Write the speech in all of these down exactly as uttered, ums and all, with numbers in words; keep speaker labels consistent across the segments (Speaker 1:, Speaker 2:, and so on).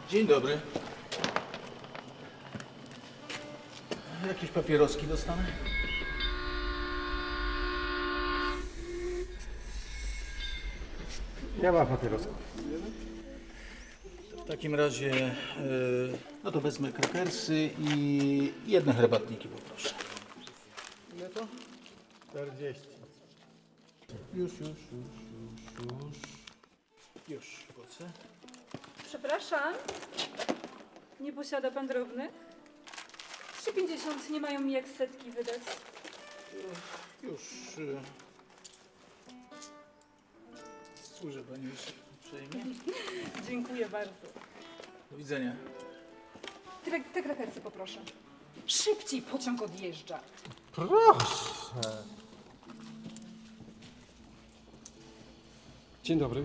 Speaker 1: Dzień dobry. Jakieś papieroski dostanę?
Speaker 2: Nie ma papierosów.
Speaker 1: W takim razie, yy, no to wezmę krakersy i jedne herbatniki poproszę. Ile to?
Speaker 2: czterdzieści.
Speaker 1: Już, już, już, już, już. Już, płacę.
Speaker 3: Przepraszam, nie posiada pan drobnych? trzy pięćdziesiąt nie mają mi jak setki wydać.
Speaker 1: Już. Yy. Służę pani już uprzejmie.
Speaker 3: Dziękuję bardzo.
Speaker 1: Do widzenia.
Speaker 3: Te, te krakersy poproszę. Szybciej pociąg odjeżdża.
Speaker 2: Proszę. Dzień dobry.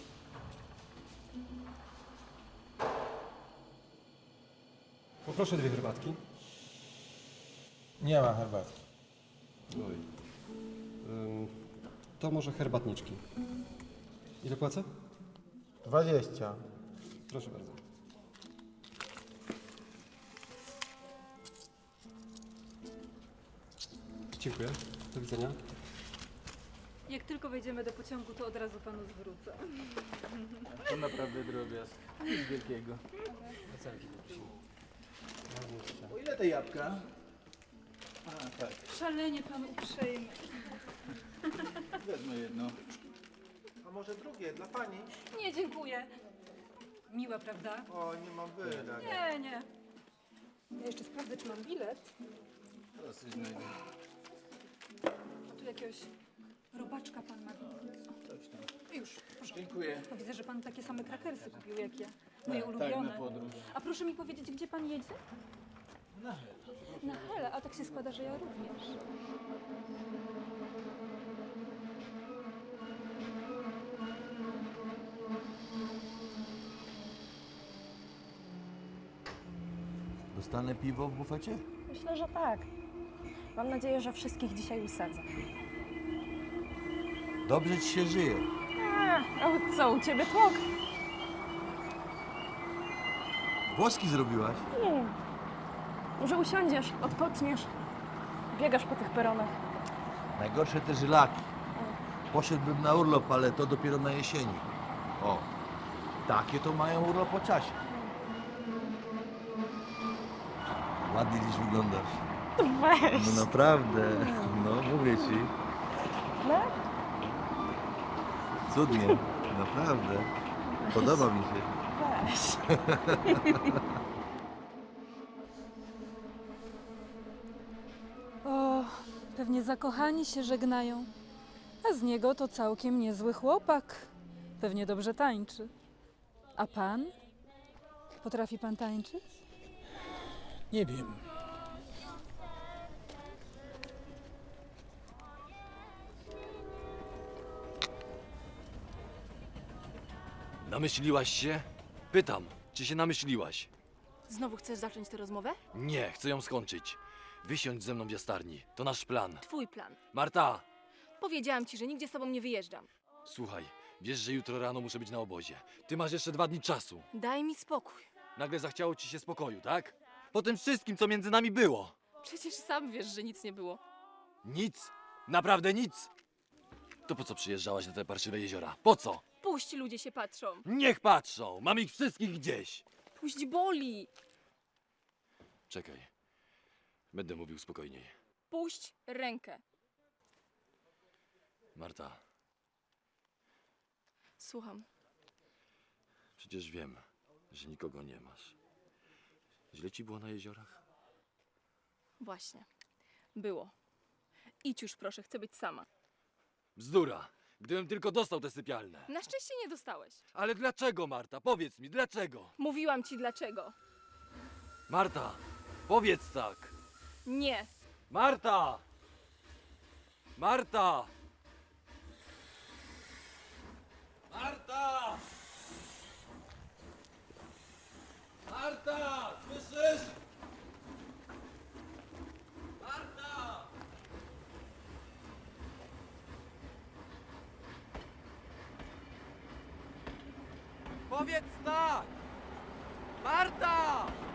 Speaker 2: Poproszę dwie herbatki.
Speaker 4: Nie ma herbatki.
Speaker 2: Oj. Ym, to może herbatniczki. Ile płacę?
Speaker 4: Dwadzieścia.
Speaker 2: Proszę bardzo. Dziękuję. Do widzenia.
Speaker 3: Jak tylko wejdziemy do pociągu, to od razu panu zwrócę.
Speaker 1: To naprawdę drobiazg. Nic wielkiego. O ile te jabłka? A, tak.
Speaker 3: Szalenie pan uprzejmy.
Speaker 1: Wezmę jedno.
Speaker 4: A może drugie, dla pani?
Speaker 3: Nie, dziękuję. Miła, prawda?
Speaker 4: O, nie mam wydać.
Speaker 3: Nie, nie. Ja jeszcze sprawdzę, czy mam bilet.
Speaker 1: Teraz coś znajdę.
Speaker 3: A tu jakiegoś robaczka pan ma.
Speaker 1: Coś tam.
Speaker 3: Już, w porządku.
Speaker 1: Dziękuję.
Speaker 3: No, widzę, że pan takie same krakersy kupił jak ja. Moje
Speaker 1: Tak,
Speaker 3: ulubione.
Speaker 1: tak, na podróż.
Speaker 3: A proszę mi powiedzieć, gdzie pan jedzie?
Speaker 1: Na hel.
Speaker 3: Na Helę, a tak się składa, że ja również.
Speaker 5: Dostanę piwo w bufecie?
Speaker 6: Myślę, że tak. Mam nadzieję, że wszystkich dzisiaj usadzę.
Speaker 5: Dobrze ci się żyje.
Speaker 6: A, a co, u ciebie tłok?
Speaker 5: Włoski zrobiłaś?
Speaker 6: Nie. Może usiądziesz, odpoczniesz. Biegasz po tych peronach.
Speaker 5: Najgorsze te żylaki. Poszedłbym na urlop, ale to dopiero na jesieni. O, takie to mają urlop po czasie. Ładnie dziś wyglądasz.
Speaker 6: Weź.
Speaker 5: No naprawdę, no mówię ci.
Speaker 6: No?
Speaker 5: Cudnie, naprawdę. Podoba mi się.
Speaker 6: Weź.
Speaker 3: O, pewnie zakochani się żegnają. A z niego to całkiem niezły chłopak. Pewnie dobrze tańczy. A pan? Potrafi pan tańczyć?
Speaker 1: Nie wiem.
Speaker 7: Namyśliłaś się? Pytam, czy się namyśliłaś?
Speaker 8: Znowu chcesz zacząć tę rozmowę?
Speaker 7: Nie, chcę ją skończyć. Wysiądź ze mną w jastarni. To nasz plan.
Speaker 8: Twój plan.
Speaker 7: Marta!
Speaker 8: Powiedziałam ci, że nigdzie z tobą nie wyjeżdżam.
Speaker 7: Słuchaj, wiesz, że jutro rano muszę być na obozie. Ty masz jeszcze dwa dni czasu.
Speaker 8: Daj mi spokój.
Speaker 7: Nagle zachciało ci się spokoju, tak? Po tym wszystkim, co między nami było.
Speaker 8: Przecież sam wiesz, że nic nie było.
Speaker 7: Nic. Naprawdę nic. To po co przyjeżdżałaś na te parszywe jeziora? Po co?
Speaker 8: Puść, ludzie się patrzą.
Speaker 7: Niech patrzą. Mam ich wszystkich gdzieś.
Speaker 8: Puść, boli.
Speaker 7: Czekaj. Będę mówił spokojniej.
Speaker 8: Puść rękę.
Speaker 7: Marta,
Speaker 8: Słucham.
Speaker 7: przecież wiem, że nikogo nie masz. Źle ci było na jeziorach?
Speaker 8: Właśnie. Było. Idź już proszę, chcę być sama.
Speaker 7: Bzdura! Gdybym tylko dostał te sypialne.
Speaker 8: Na szczęście nie dostałeś.
Speaker 7: Ale dlaczego, Marta? Powiedz mi, dlaczego?
Speaker 8: Mówiłam ci dlaczego.
Speaker 7: Marta, powiedz tak!
Speaker 8: Nie.
Speaker 7: Marta! Marta! Marta! Marta! Słyszysz? Marta! Powiedz tak!
Speaker 9: Marta!